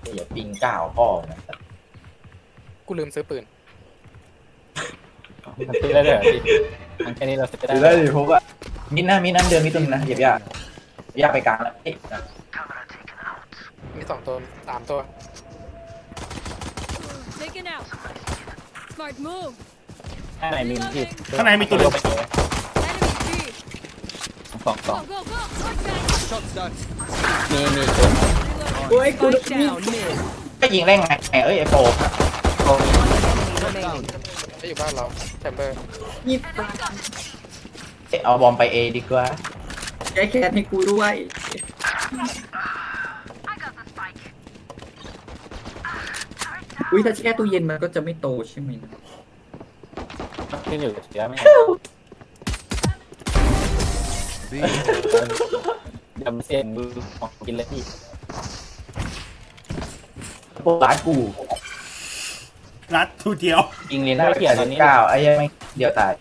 อย่าปิงก้าวพ่อนะกูลืมซื้อปืนมันซื้อได้เลยเหรอพี่มันแค่นี้เราซื้อถือได้ได้ดิพวกอะมิดนะมิดนั้นเดินมิดตรงนี้นะเหยียบยากยากไปกลางแล้วเอ๊ะมี2 ตัว3 ตัว Taken out. Smart move. ข้างในมีพี่ข้างในมีตัวเดียว Enemy B. สอง Go, go, go. Watch that. มีตัว Reload. โอ้ยกู Spike down mid. ก็ยิงได้ไงเอ้ยไอโฟ Remaining. จะอยู่บ้านเราแชมเบอร์เอาบอมไปเอดีกว่าแก้แค้นให้กูด้วยอุ้ยถ้าแช่ตู้เย็นมันก็จะไม่โตใช่ไหมนะขึ้นอยู่กับเชื้อไหมยำเส้นมือของกินเลยพี่พวกร้านกูรัดทูเดียวยิงเรียนได้เขียนเก้าไอ้ยังไม่เดียวตาย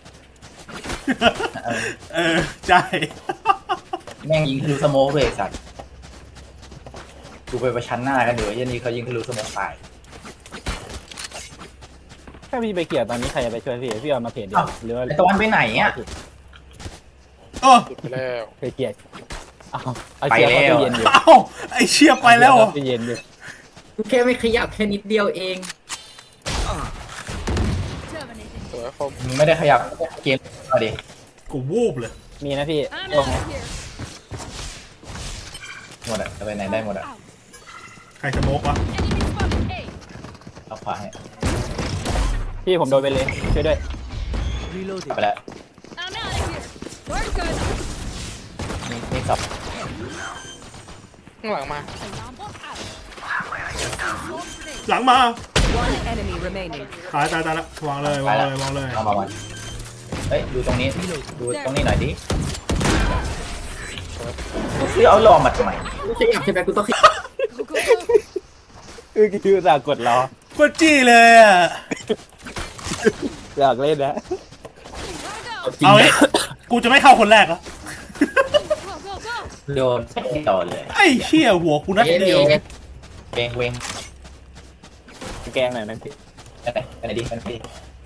เออใช่แม่งยิงทะลุสโมกเลยสัตว์กูไปประชันหน้ากันเดี๋ยวยันนี้เขายิงทะลุสโมกตายถ้าพี่ไปเกี่ยวตอนนี้ใครจะไปช่วยพี่พี่เอามาเพจเดียวหรือว่าไอตะวันไปไหนอ่ะโอ้หยุดไปแล้วไปเกี่ยวเอาเชื้อเข้าตู้เย็นอยู่เอ้าไอเชียไปแล้วเหรอตู้เย็นอยู่กูแค่ไม่ขยับแค่นิดเดียวเอง Terminated. สวยคมมึงไม่ได้ขยับเกมเอาดิกูวูบเลยมีนะพี่ I'm ตรง out of here. หมดอ่ะจะไปไหนได้หมดอ่ะใครสโมกวะ Enemy spotted A. เอาขวาให้พี่ผมโดนไปเลยช่วยด้วยกลับไปแล้ว I'm out of here. We're good. นี่สับข้างหลังมา Alarm bot out. Smoke grenade. หลังมา One enemy remaining. ตายละวางเลยวางเลยวางเลยเอามาวันเฮ้ยดูตรงนี้ดูตรงนี้หน่อยดิซื้อเอาลอมาทำไมกูขยับใช่ไหมกูต้องขยับ Go, go, go. คือสากดรอโคตรจี้เลยอ่ะอยากเล่นนะ Gotta go. เอาไอ้กูจะไม่เข้าคนแรกเหรอ Go, go, go. โดนไม่ต่อเลยไอ้เชี่ยหัวกูนัดเดียวเวงเวงแกงหน่อยนะพี่ไปไหนดีไปไหนดี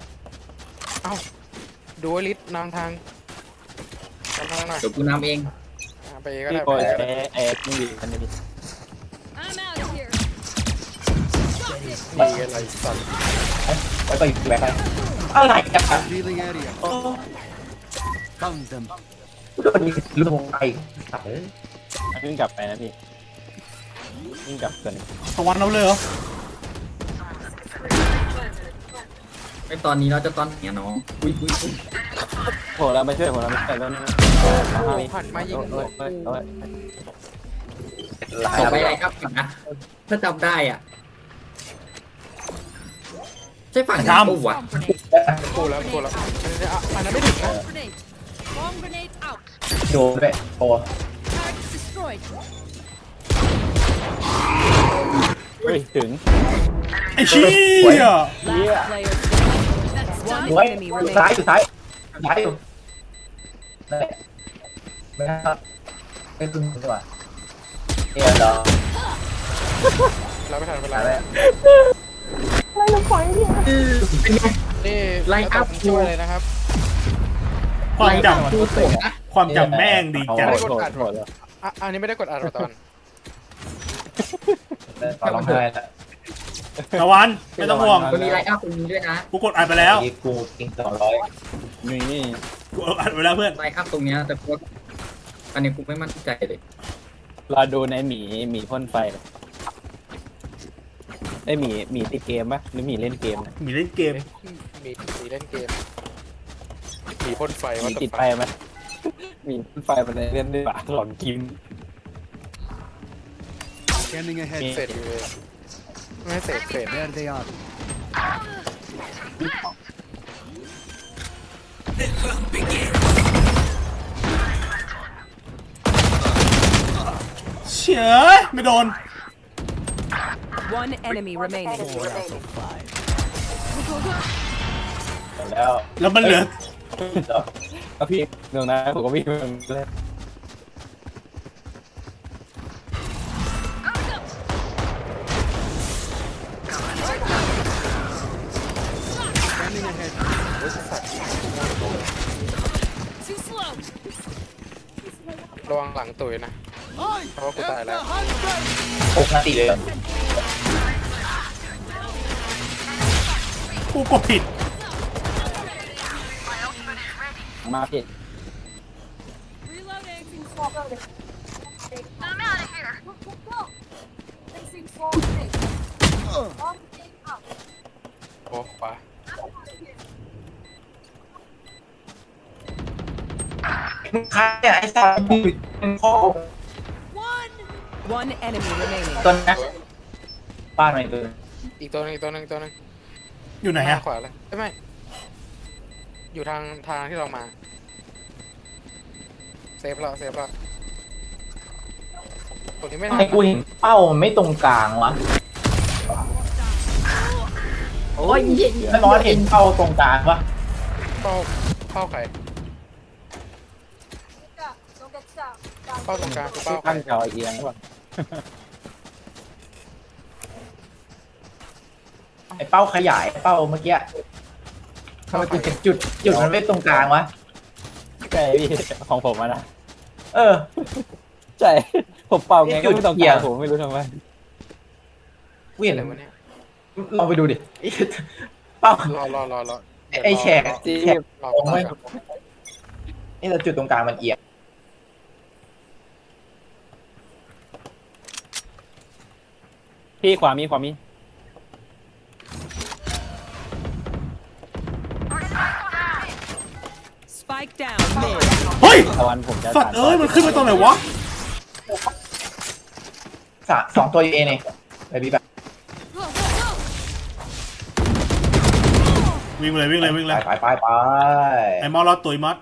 ดูลิสนำทางหน่อยเดี๋ยวกูนำเองไปก็พี่ได้โกยไปแอร์ที่ดีกันนี่ I'm out of here. Got it. ดีอะไรสัตว์ไปไปแบกไปอะไรกันอ่ะ Revealing area. โอ้ Found them. โดนยิงลูกไปตัดเลยวิ่งกลับไปนะพี่วิ่งกลับก่อนตะวันเอาเลยเหรอไอตอนนี้เราจะตอนเนี้ยน้องอุ้ยอุ้ยอุ้ยโหเราไม่ช่วยผมเราไม่ช่วยแล้วนะหันมายิงหัวกูต่อไปอะไรครับก่อนนะถ้าจำได้อ่ะใช่ฝั่งนั้นปุ๊บวะ Bomb grenade. กูแล้วอันนั้นไม่ถึงนะ Bomb grenade. Bomb grenade out. โดนด้วยโอ้ Target destroyed. เฮ้ยถึงไอ้เชี่ย Last player. That's done. โอ้ยซ้ายอยู่ซ้ายซ้ายอยู่นั่นแหละไม่ได้ไม่ขึ้นดีกว่าเนี่ยเหรอเราไม่ทันเวอะลาไรเป็นไงนี่ไลน์อัพช่วยเลยนะครับความจกูโสดนะำความจำแม่งดีจังโหดโหดอันนี้ไม่ได้กดอัดตอนตอนร้องไห้แล้วตะวันไม่ต้องห่วงมันมีไลน์อัพตรงนี้ด้วยนะกูกดอัดไปแล้วนี่กูกิน200 นี่กูอัดไปแล้วเพื่อนไลน์อัพตรงเนี้ยแต่กูว่าอันนี้กูไม่มั่นใจเลยรอดูในหมีพ่นไฟไอหมีติดเกมปะหรือหมีเล่นเกมมีเล่นเกมมีเล่นเกมมีพ่นไฟหมีติดไฟไหมหมีพ่นไฟมันเล่นด้วยปะหลอนกิน Scanning ahead. เสร็จเลยไม่เสร็จ There they are. เชี่ยไม่โดน One enemy remaining. แล้วแล้วมันเหลือก็พี่ตรงนั้นผมก็พี่มันเลย Gotta go. งตุยนะเพราะว่ากูตายแล้ว 6 นาทีเลยเหรอกูกดผิดมาผิด Reloading. I'm out of here. On the game up. โอ้ขวาใครเนี่ยไอ้สัตว์มึงพ่อ One enemy remaining. ตัวนะบ้านไหนตัวอีกตัวหนึงอยู่ไหนหน้าอะขวาเลยไม่ อยู่ทางที่เรามา เซฟแล้วตัวนี้ไม่ทำทัไมนกูเห็นเป้ามันไม่ตรงกลางวะโอ้ยเหี้ยไม่ร้อนเห็นเป้าตรงกลางวะเป้าไข่ Don't get stuck. เป้าตรงกลางคือที่เป้าไข่ตั้งจอเอียงหรือเปล่าไอ้เป้าขยายเป้าเมื่อกี้ทำไมกูเห็นจุดมันไม่ตรงกลางวะใช่พี่ของผมอะนะเออใช่ผมเป่าไงก็ไม่ต้องเกี่กายวรผมไม่รู้ทำไมกูเห็นอะไรวะเนี่ยลองไปดูดิเป้ารอไอ้แฉกที่แฉกรอตรงไม่นี่แต่จุดตรงกลางมันเอียงพี่ขวามี Spike down mid. เฮ้ยตะวันผมจะสัตว์เอ้ย มันขึ้นมาตอนไหนวะ 2 ตัวอยู่เอเนี่ยไปบีแบบ Go, go, go. วิ่งเลยไปไอ้มอสรอดตุยมอส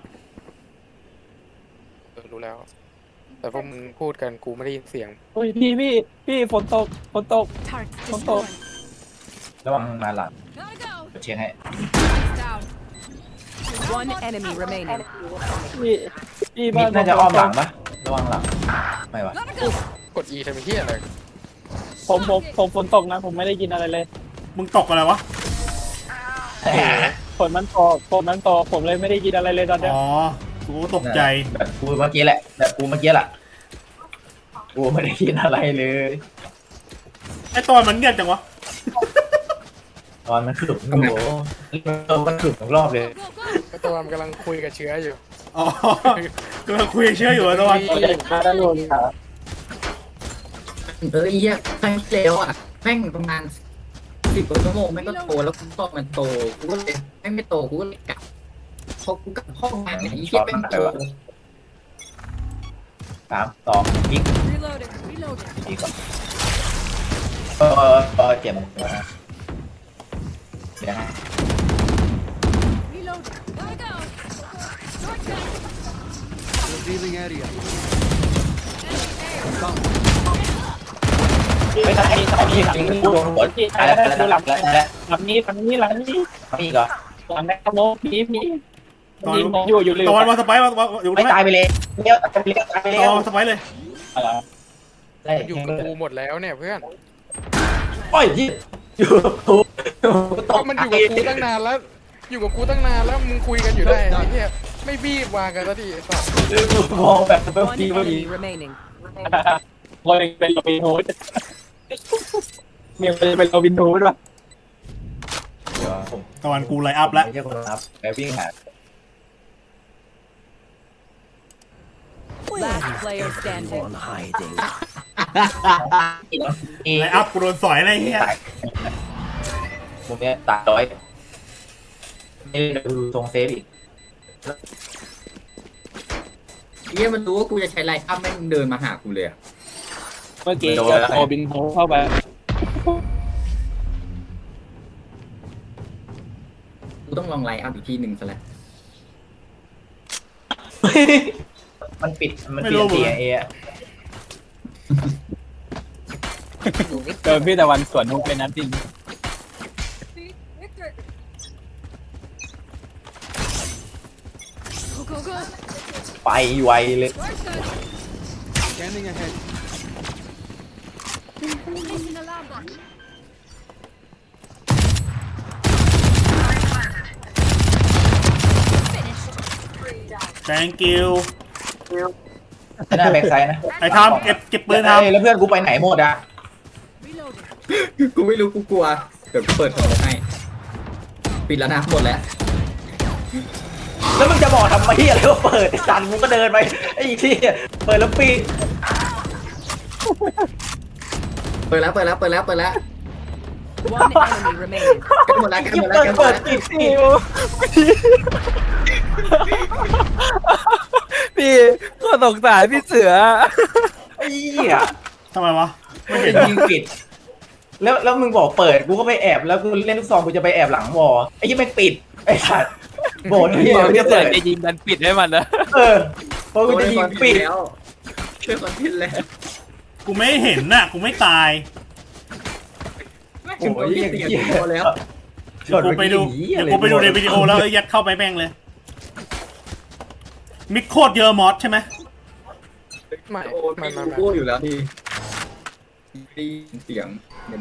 รู้แล้ว แต่พวกมึงพูดกันกูไม่ได้ยินเสียงเฮ้ยพี่ฝนตก Target Không destroyed. ระวังมาหลัง Gotta go. เชียร์ให้ Down. One enemy remaining. พี่มิดน่าจะอ้อมหลังปะระวังหลังไม่วะ Gotta go. กด E ทำไมเฮียอะไรผมฝนตกนะผมไม่ได้กินอะไรเลยมึงตกอะไรวะฝนมันตกผมเลยไม่ได้กินอะไรเลยตอนเนี้ยอ๋อ กูก็ตกใจแบบกูเมื่อกี้แหละแบบกูเมื่อกี้แหละกูไม่ได้กินอะไรเลยไอ้ตอนมันเงียบจังวะตอนมันขลุกโอ้โหมันขลุกทุกรอบเลย Go, go. ไอ้ตัวมันกำลังคุยกับเชื้ออยู่อ๋อกำลังคุยเชื่ออยู่อะตะวันมาด้านบนครับเหี้ยครั้งที่แล้วอ่ะแม่งประมาณ10 กว่าชั่วโมงแม่งก็โตแล้วกูตอบมันโตกูก็เลยแม่งไม่โตกูก็เลยกลับพอกูกลับห้องมาเนี่ยไอ้เหี้ยแม่งโต 3 2ยิง Reloading. Reloading. ยิงก่อนเจ็บหัวนะเดี๋ยวนะ Reloading. Gotta go. Short gun. Revealing area. ไม่ใช่ไอ้นี่หลังนี่กูโดนหัวตายแล้วหลังนี้ฝั่งนี้นี่เหรอหลังแม่กระโมพี่ตอนยิงผมอยู่เลยตะวันมาสไปร์มาอยู่ไม่ไหมตายไปเลยเลี้ยวตายไปแล้วตายไปตะแล้ววันมาสไปร์เลยอะไรได้อยู่กับกูหมดแล้วเนี่ยเพื่อนโอ้ยอยู่กูก็มันอยู่กับกูตั้งนานแล้ว มึงคุยกันอยู่ได้ไอ้เหี้ยไม่บีบวางกันสักทีไอ้สัสมองแบบ One ดีพอดี enemy remaining. คนหนึ่งเป็นโรบินฮูดมีคนเป็นโรบินฮูดป่ะเดี๋ยวผมตะวันกูไลน์อัพแล้วไม่ใช่คนรับไปวิ่งหา Last player standing. ไลน์อัพกูโดนสอยอะไรเงี้ยมุมเนี้ยตายร้อยนี่ดูทรงเซฟอีกเหี้ยมันรู้ว่ากูจะใช้ไลน์อัพแม่งเดินมาหากูเลยอะเมื่อกี้เจอโรบินฮูดเข้าไปกูต้องลองไลน์อัพอีกทีหนึ่งซะแล้วมันปิดเสียเอะเจอพี่ตะวันสวนฮูดเป็นนัดจริง Victor. Go, go, go. ไปไวเลย Short gun. Scanning ahead. Placing alarm bot. Finished. thank you หน้าแบ็กไซด์นะไอ้ทำเก็บปืนทเอ้ยแล้วเพื่อนกูไปไหนหมดอะกูไม่รู้กูกลัวเดี๋ยวเปิดของให้ปิดแล้วนะหมดแล้วแล้วมึงจะบอกทำไมอะไรว่าเปิดไอ้สันมึงก็เดินไปไอ้ที่เปิดแล้วปิดเปิดแล้ว One enemy remaining. ใกล้หมดแล้วยิ่งเปิดปิดสิพี่ก็สงสารพี่เสือไอ้เหี้ยำทำไมวะไม่เห็นยิงปิดแล้วมึงบอกเปิดกูก็ไปแอบแล้วกูเล่นลูกซองกูจะไปแอบหลังวอไอ้ยี่ไม่ปิดไอ้สัตว์โบนที่เราจะเสืเปิอดจะยิงดันปิดให้มันนะเพราะกูจะยิงปิดแล้วช่วยคนผิดแล้วกูไม่เห็นน่ะกูไม่ตายโอ้ยอย่างเสียเงี้ยพอแล้วเดี๋ยวกูไปดูในวิดีโอแล้วยัดเข้าไปแม่งเลย มิกโคตรเยอะมอสใช่ไหมไม่โอ้ไม่ไม่ไม่กูอยู่แล้วที่ได้ยินเสียงอย่าดิ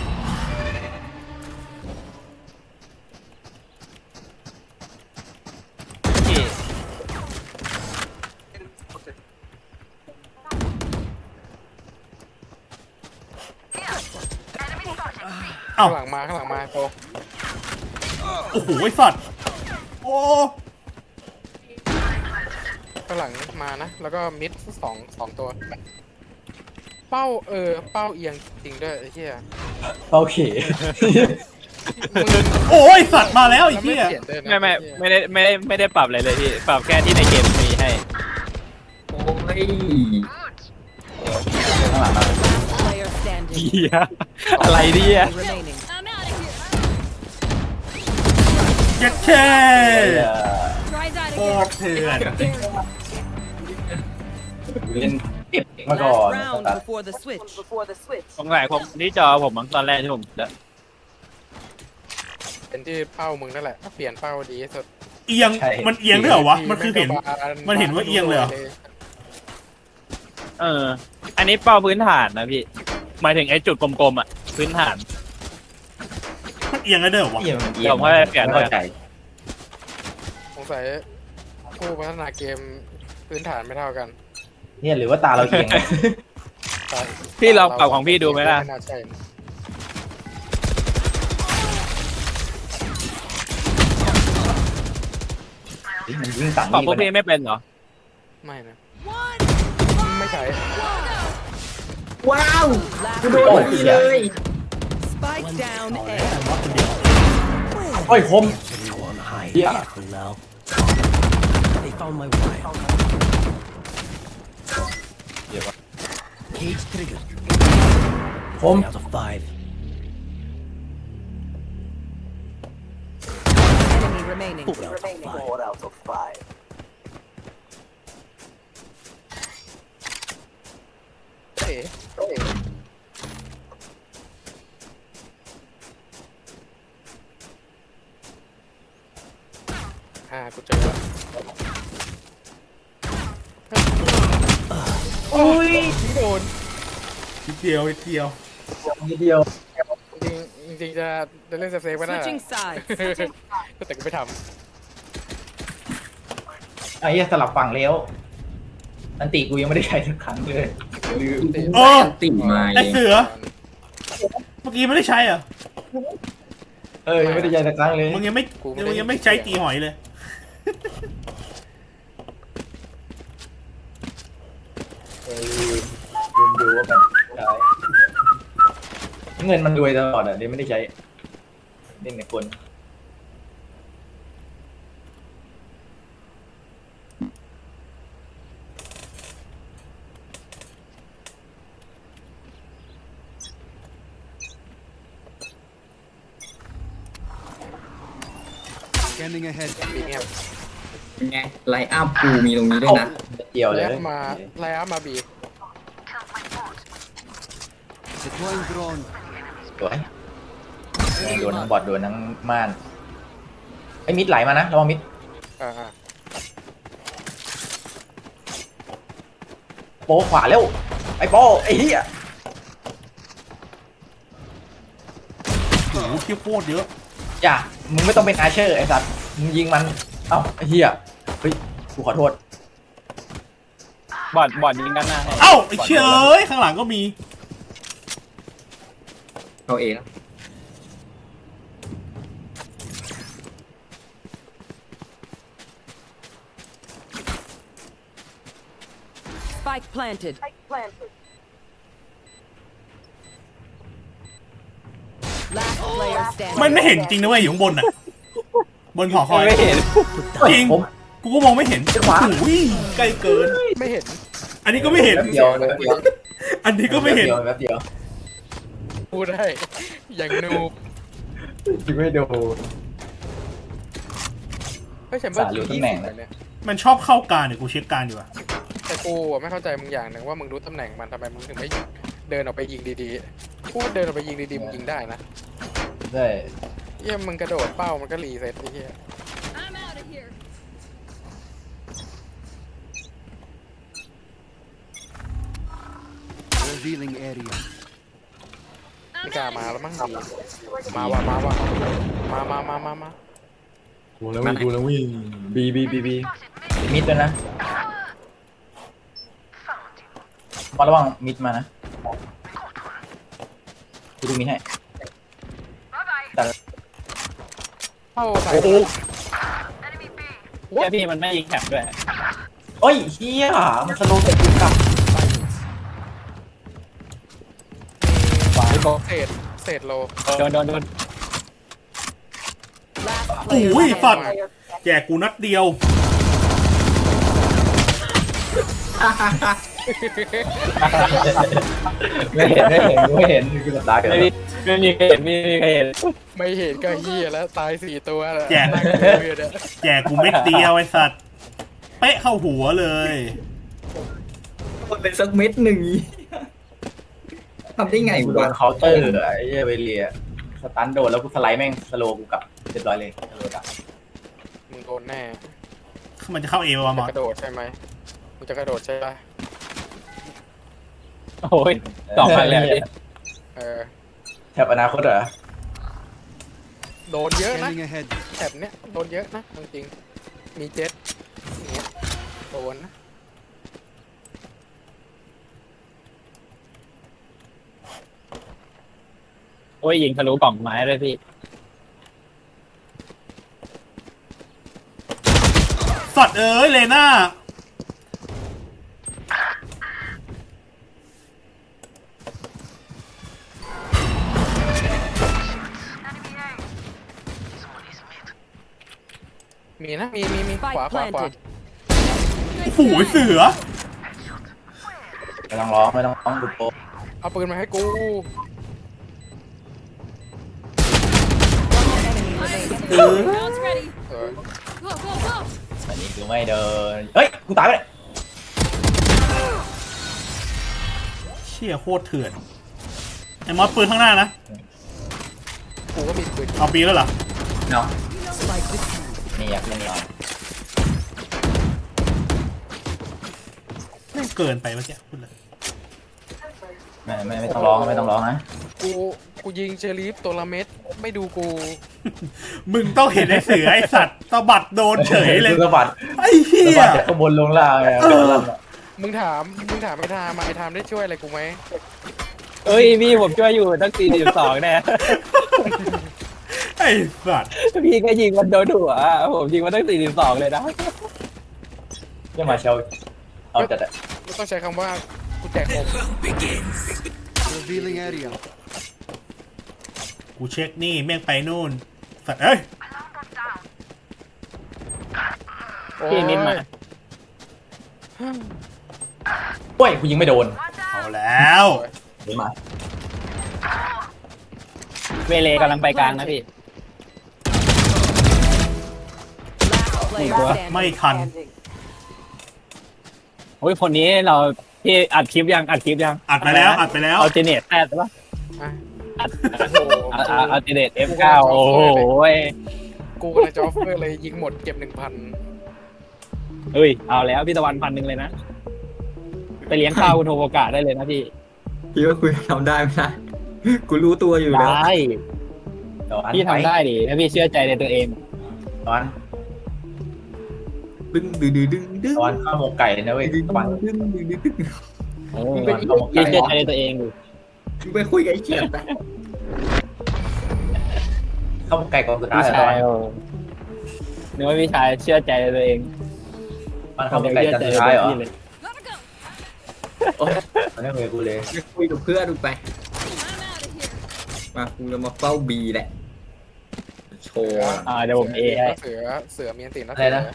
เอ้าข้างหลังมาโตโอ้โหไอ้สัตว์โอ้ข้างหลังมานะ แล้วก็มิดสองตัว เป้าเป้าเอียงจริงด้วยไอ้เหี้ยโอเคมึงโอ้ยสัตว์มาแล้วไอ้แล้วเหี้ยเปลี่ยนด้วยนะไม่ได้ปรับอะไรเลยพี่ปรับแค่ที่ในเกมมีให้โอ้ยข้างหลังมา Player standing. เฮียอะไรเนี่ย Enemy remaining. I'm out of here. เจ็ดเค Try that โค again. ตรเถื่อนเล่นเก็บมาก่อน Last round before the switch. สงสัยผมที่จอผมมั้งตอนแรกที่ผมแล้วเป็นที่เป้ามึงนั่นแหละเปลี่ยนเป้าดีที่สุดเอียงมันเอียงด้วยเหรอวะมันคือเห็น มันเห็นว่าเอียงเลยเหรออันนี้เป้าพื้นฐานนะพี่หมายถึงไอ้จุดกลมๆอ่ะพื้นฐานมันเอียงได้ด้วยเหรอวะเอียงมันเอียงผมว่าเปลี่ยนไม่เข้าใจสงสัยผู้พัฒนาเกมพื้นฐานไม่เท่ากันเนี่ยหรือว่าตาเราเอียงพี่ลองปรับของพี่ดูไหมล่ะไม่น่าใช่มันยิงสั่งปรับพวกนี่พี่ไม่เป็นเหรอไม่นะ One. ไม่ใช่ว้าว Last กูโดนพอดีเลย spike down A. โอ้ยคมเหี้ย They found my wire. Cage triggered. คม Out of 5. Enemy remaining. 4 out of 5. เอ๋กูเจอแล้วโอ้ยโดนนิดเดียวนิดเดียวนิดเดียวจริงๆจะเล่นเซฟๆก็ได้ Switching sides. แต่กูไม่ทไอ้เหี้ยสลับฝั่งแล้วอันติกูยังไม่ได้ใช้สักครั้งเลยลืมโอ้ติ่งมาไอ้เองเสือเมื่อกี้ไม่ได้ใช้เหรอยังไม่ได้ใช้สักครั้งเลยมึงยังไม่ใช้ตีหอยเลยลืมดูว่ามันใช้เงินมันรวยตลอดอ่ะเดี๋ยวไม่ได้ใช้เล่นในคน Scanning ahead. ำปีเงียบเป็นไงไลน์อัพกูมีตรงนี้ด้วยนะเกี่ยวเลยแล้วมาไลอามาบี Deploying drone. สวยโดนทั้งบอดโดนทั้งม่านไอ้มิดไหลมานะระวังมิดอ่าโปขวาเร็วไอ้โปไอ้เหี้ยโอ้โหเที่ยวโคตรเยอะอย่ามึงไม่ต้องเป็นอาเชอร์ไอ้สัตว์มึงยิงมันเอ้าไอ้เหี้ยเฮ้ยกูขอโทษบอดยิงด้านหน้าให้เอ้าไอ้เชี่ยเอ้ยข้างหลังก็มีเอาเองแล้ว Spike planted. Last player มัน standing. ไม่เห็นจริงนะเว้ยอยู่ข้างบนอ่ะ บนหอคอยไม่เห็นจริงผมกูก็มองไม่เห็นขวาโอ้ยใกล้เกินไม่เห็นอันนี้ก็ไม่เห็นแป๊บเดียวแป๊บเดียวอันนี้ก็ไม่เห็นแป๊บเดียวพูดได้อย่างนูบไม่ดูเฮ้ยฉันว่าสายรู้ตำแหน่งเลยเนี่ยมันชอบเข้ากลางเดี๋ยวกูเช็คกลางดีกว่าแต่กูอะไม่เข้าใจมึงอย่างหนึ่งว่ามึงรู้ตำแหน่งมันทำไมมึงถึงไม่เดินออกไปยิงดีๆพูดเดินออกไปยิงดีๆมึงยิงได้นะได้เยี่ยมึงกระโดดเป้ามันก็รีเซ็ตไอ้เหี้ย I'm out of here. Revealing area. ไม่กล้ามาแล้วมั้งมาว่ะมาว่ะมากูแล้ววิ่งกูแล้ววิ่งบีมิดด้วยนะมาระวังมิดมานะกูดูมิดให้แต่เข้าใส่โอ้โหแค่พี่มันไม่ยิงแถบด้วยโอ้ยเฮียมันสโลว์เสร็จกูกลับเศษโลโดน Last โอ้ player ยสัตว์ standing. แจกกูนัดเดียวไม่เห็นคือสัปดาห์เกิดไม่มีใครเห็นไม่เห็นก็เหี้ยแล้วตาย4 ตัวแล้วแจกนั่งดูอยู่เนี่ยแจกกูเม็ดเดียวไอ้สัตว์ เป๊ะเข้าหัวเลยคนเลยสักเม็ดหนึ่งทำได้ไงกูโดวะนเคาน์เตอร์ไอ้เหี้ยเวเลียสตันโดนแล้วกูสไลด์แม่งสโลว์กูกลับเรียบร้อยเลยสโลว์กลับมึงโดนแน่มันจะเข้าเอวะมอสกระโดดใช่ไหมมึงจะกระโดดใช่ปะโอ้ย2 พันเลยพี่เออแถบอนาคตเหรอโดนเยอะนะ Scanning ahead. แถบเนี้ยโดนเยอะนะจริงๆมีเจ็ตอย่างเงี้ยโดนนะโอ้ยยิงทะลุกล่องไม้เลยพี่สัตว์เอ้ยเลน่ามีนะมีข Spike วา planted. โอ้โหเสือไม่ต้องร้องดูโป๊ะเอาปืนมาให้กู Round's ready. เออ Go, go, go. อันนี้กูไม่เดินเฮ้ยกูตายไปเลยเชี่ยโคตรเถื่อน ไอ้มอสปืนข้างหน้านะกูก็มีปืนเอาปีแล้วเหรอเนาะ Spike defused. นี่อยากเล่นนี่อ่ะไม่งเกินไปเมื่อกี้พูดเลยไม่ต้องร้องนะกูยิงเชลีฟตัวละเม็ดไม่ดูกูมึงต้องเห็นไอ้เสือไอ้สัตว์ตะบัดโดนเฉยเลยสะบัดไอ้เหี้สะยบัดจากข้างบนลงล่างเลยมึงถามไอ้ทามไอ้ทามได้ช่วยอะไรกูไหมเอ้ยพี่ผมช่วยอยู่ตั้ง42แน่ไอ้สัตว์พี่ก็ยิงมันโดนหัวผมยิงมันตั้ง42เลยนะยังมาเชลเอาจัดอะไม่ต้องใช้คำว่ากูแจกอม Revealing area. กูเช็คนี่แม่งไปนู่น สัตว์เอ้ยพี่นิดมาโอ้ยกูยิงไม่โดนเอาแล้วเดี๋ยวมาเวเลกำลังไปกลางนะพี่ Last player standing. ไม่ทันโอ้ยคนนี้เราพี่อัดคลิปยังอัดไปแล้วเอาเจเนตแอดปะอ่ะอัดโอ้โหเอาเจเนต F9 โอ้โหกูกำลังจะออฟเฟอร์เลยยิงหมดเก็บ 1,000 เฮ้ยเอาแล้วพี่ตะวัน1,000เลยนะไปเลี้ยงข้าวคุณโทโอกะได้เลยนะพี่พี่ว่าคุยทำได้ไหมนะกูรู้ตัวอยู่แล้วได้พี่ทำได้ดิถ้าพี่เชื่อใจในตัวเองตอนดึงดึงดึงดึงดึงตอนข้าวหมกไก่เลยนะเว้ยดึงตอนดึงดึงดึงดึงโอ้มึงยเป็นข้าวหมกพี่ไก่เชื่อใจในตัวเองดูมึงไปคุยกับไอ้เขียดไปข้าวหมกไก่กองสุดท้ายพี่แล้วตอชาน ยโอ้นึกว่าพี่ชายเชื่อใจในตัวเองตอนข้าวหมกไก่จานสุดท้ายเหรอพี่เลย Gotta go. โอ๊ยตอนนี้เว้ยกูเลยไปคุยกับเพื่อนดูไป I'm out of here. มากูจะมาเฝ้าบีแหละโชว์เดี๋ยวผมเอให้เสือมีอันตินะอะไรนะ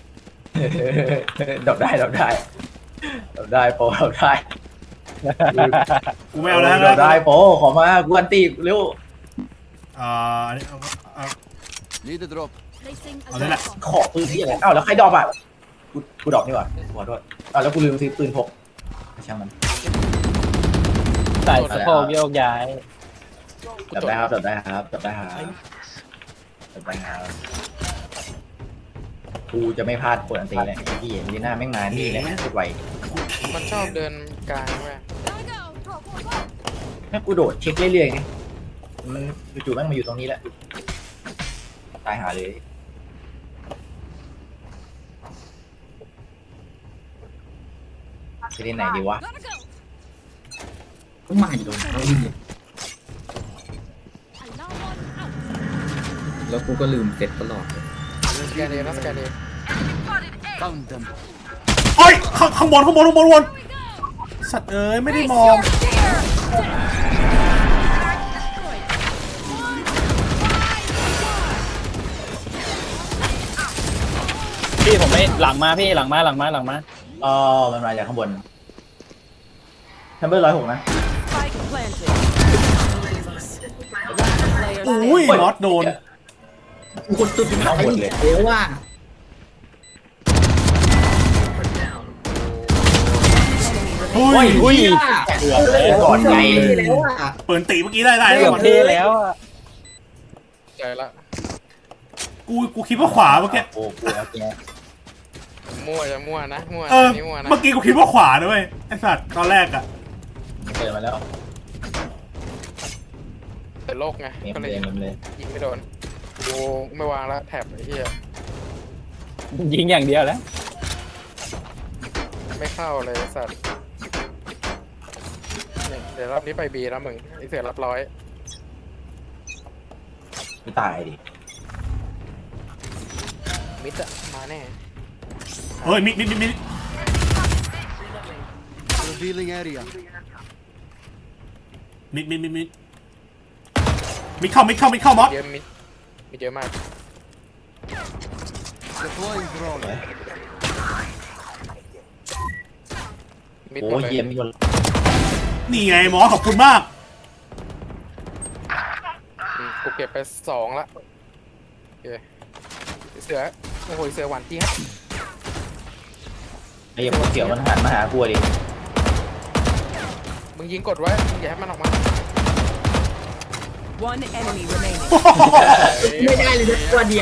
ดอกได้ดอกได้ดอกได้โปรดอกได้กูไม่เอาแล้วดอกได้โปรขอมากูอันตีเร็วอันนี้เอา Need a drop. Placing a Oh, they're not- drop bomb. ขอปืนที่อะไรอ้าวแล้วใครดรอปอ่ะกูดรอปนี่หว่าขอโทษอ้าวแล้วกูลืมซื้อปืนพกช่างมันใส่สะโพกโยกย้ายจับได้ครับจับได้ครับจับได้ครับจับได้ครับกูจะไม่พลาดกดอันตีเลยไอ้พี่ลีน่าแม่งมานี่เลยสุดไวมันชอบเดินกลางเว้ย Gotta go. Go, go, go. แม่งกูโดดเช็คเรื่อยๆไงมันจู่ๆแม่งมาอยู่ตรงนี้แหละตายหาเลยจะเล่นไหนดีวะ Gotta go. ก็มาอยู่ตรงนี้ Alarm on out. แล้วกูก็ลืมเสร็จตลอดเลยสแกนเดย์นะสแกนเดย์ Found them. โอ้ยข้างบนข้างบนข้างบนข้างบน Here we go. สัตว์เอ้ยไม่ได้ Face มอง your fear. Destroyed. พี่ผมไม่หลังมาพี่หลังมาอ๋อมันมาจากข้างบนทัมเบอร์106นะ Spike planted. Last player อุ้ย standing. มอสโดนกูกดจุดไหนเอาหมดเลยเดี๋ยวว่าอุ้ยอุ้ยเหี้ยเกือบแล้วก่อนไงแล้วอ่ะเปิดตีเมื่อกี้ได้เกือบก่อนเท่แล้วอะใจละกูคิดว่าขวาเมื่อกี้โอ้โหโอเคมั่วจะมั่วนะมั่วเออนี่มั่วนะเมื่อกี้กูคิดว่าขวาด้วยไอ้สัตว์ตอนแรกอะเจอมาแล้วแต่โลกไงเมมก็เลเลยยเมมเลยยิงไม่โดนกูไม่วางละแท็บไอ้เหี้ยยิงอย่างเดียวแล้วไม่เข้าเลยสัตว์เนี่ยเดี๋ยวรอบนี้ไปบีแล้วมึงไอเสือรับร้อยไม่ตายดิมิดอะมาแน่เฮ้ยมิด Revealing area. มิดเข้ามอสเยอะมิดเยอะมาก Deploying drone. มิดโอ้หมดเลยเยี่ยมมีคนนี่ไงมอสขอบคุณมากกูเก็บไป2ละโอเคเสือโอ้โหเสือหวานเจี๊ยบไอ้ยังเขียวมันหันมาหากูดิมึงยิงกดไว้มึงอย่าให้มันออกมา One enemy remaining. ไม่ได้เลยนะตัวเดียว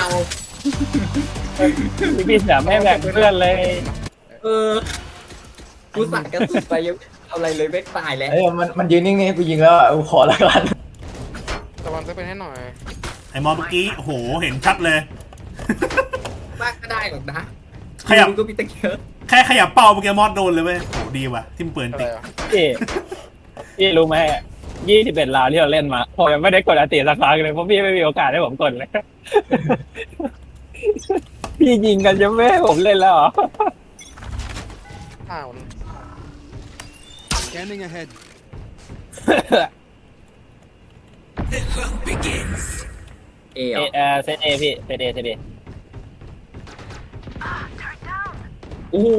พี่เสือไม่แบ่งเพื่อนเลยเออ กูสั่งกระสุนไปยังเอาอะไรเลยไม่ตายแล้วเอ้ยมันยืนนิ่งๆกูยิงแล้วอ่ะกูขอละกันตะวันจะเป็นให้หน่อยไอ้มอสเมื่อกี้โอ้โหเห็นชัดเลยมากก็ได้หรอกนะขยับมึงก็มีตะเกียบแค่ขยับเป้าเมื่อกี้มอสโดนเลยเว้ยโหดีว่ะที่มันเปิดอะไรติอ่ะพี่รู้ไหม21 ราวที่เราเล่นมาผมยังไม่ได้กดอันติสักครั้งเลยเพราะพี่ไม่มีโอกาสให้ผมกดเลย พี่ยิงกันจะไม่ให้ผมเล่นแล้วเหรออ้าว Scanning ahead. เอเหรอเซตเอพี่เซตเอโอ้โห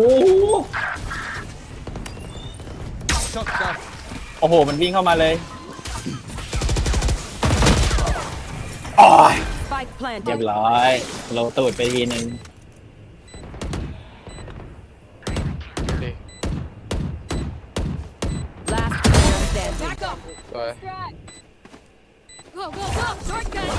Shot down. โอ้โหมันวิ่งเข้ามาเลยอ๋อ Spike เรีย planted. บร้อยโลตูดไปทีนึงดิ Last player standing. Back up. สวย Strike. Go, go, go. Shortcut.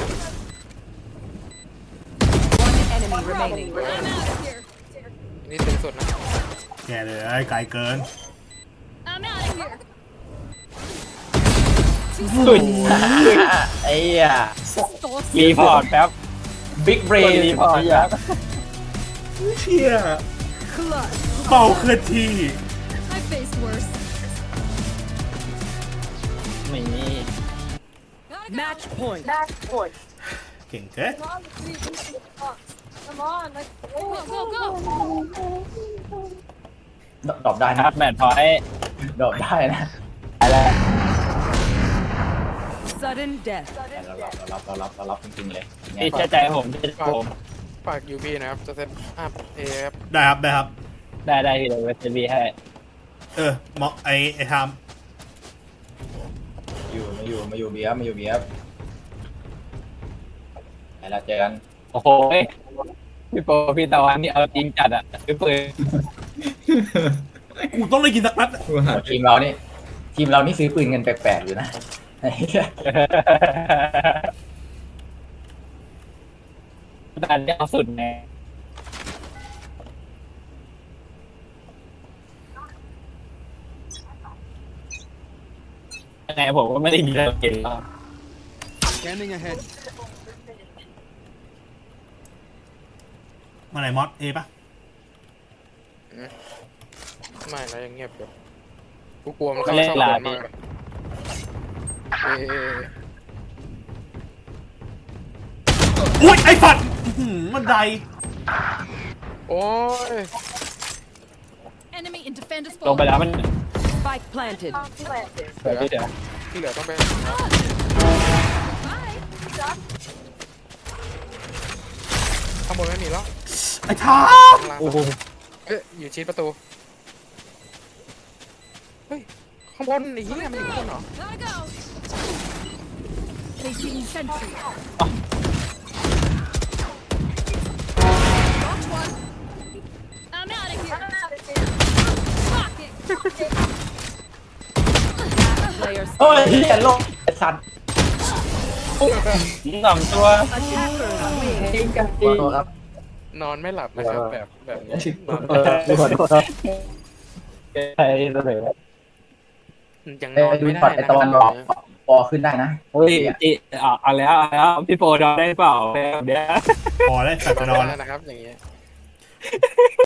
One enemy remaining. I'm out of here. นี่ตึงสุดนะแกเลยไอ้ไกลเกิน I'm out of here. สุดไอ้อ่ะรีพอร์ตแป๊บบิ๊กเบรกดนรีพอร์ตแป๊บเชี่ยเป่าเคลื่อนที่ I faced worse. ไม่มี Gotta go. Match point. เก่งเกิน Come on, please, into the box. Come on, like, Go, go, go. ดรอปได้คนะรับแมทพอยต์ดรอปได้นะอะไร Sudden death. เรารับจริงๆเลยพี่เชื่อใจผมเชื่อใจผมฝากยูบีนะครับ จะเซตอัพเอครับได้ครับได้ครับได้ที่เราเวสบีให้มอกไอ้ทามมาอยู่เบียร์ไปแล้วเจอกันโอ้โหพี่โปพี่ตะวันนี่เอาจริงจัดอ่ะซื้อปืนกูต้องได้กินสักนัดทีมเรานี่ซื้อปืนเงินแปลกๆอยู่นะดันเอาสุดไงยังไงผมก็ไม่ได้ยินเราเก่งหรอก Scanning ahead. มาไหนมอสเอปะไม่นะยังเงียบอยู่กูกลัวมันเข้าช่องบนมากเออุ้ยไอ้ฝัดมันไดโอ้ย Enemy in defender's ลงไป spawn. แล้วมัน Spike planted. เดี๋ยวพี่เดี๋ยวที่เหลือต้องไป Bye. ข้างบนไม่มีแล้วไอ้ทามข้างล่างโอ้โหอยู่ชิดประตู เฮ้ย ข้างบนไอ้เหี้ยมันอยู่ข้างบนเหรอ Gotta go. Placing sentry. Watch one. I'm out of here. Fuck it. Player โอ้ยเฮียโลกไอ้สัตว์สองตัว attackers win. ขอโทษครับนอนไม่หลับนะครับแบบนี้นอนขอโทษครับใช่เลยยังนอนดูไม่ได้ช็อตไอ้นะตะวันบอกปอขึ้นได้นะโอ้ยเอาแล้วพี่โปรดได้เปล่าแบบเนี้ยพอแล้วสัตว์จะนอนแล้แล้ววนะครับอย่างเงี้ย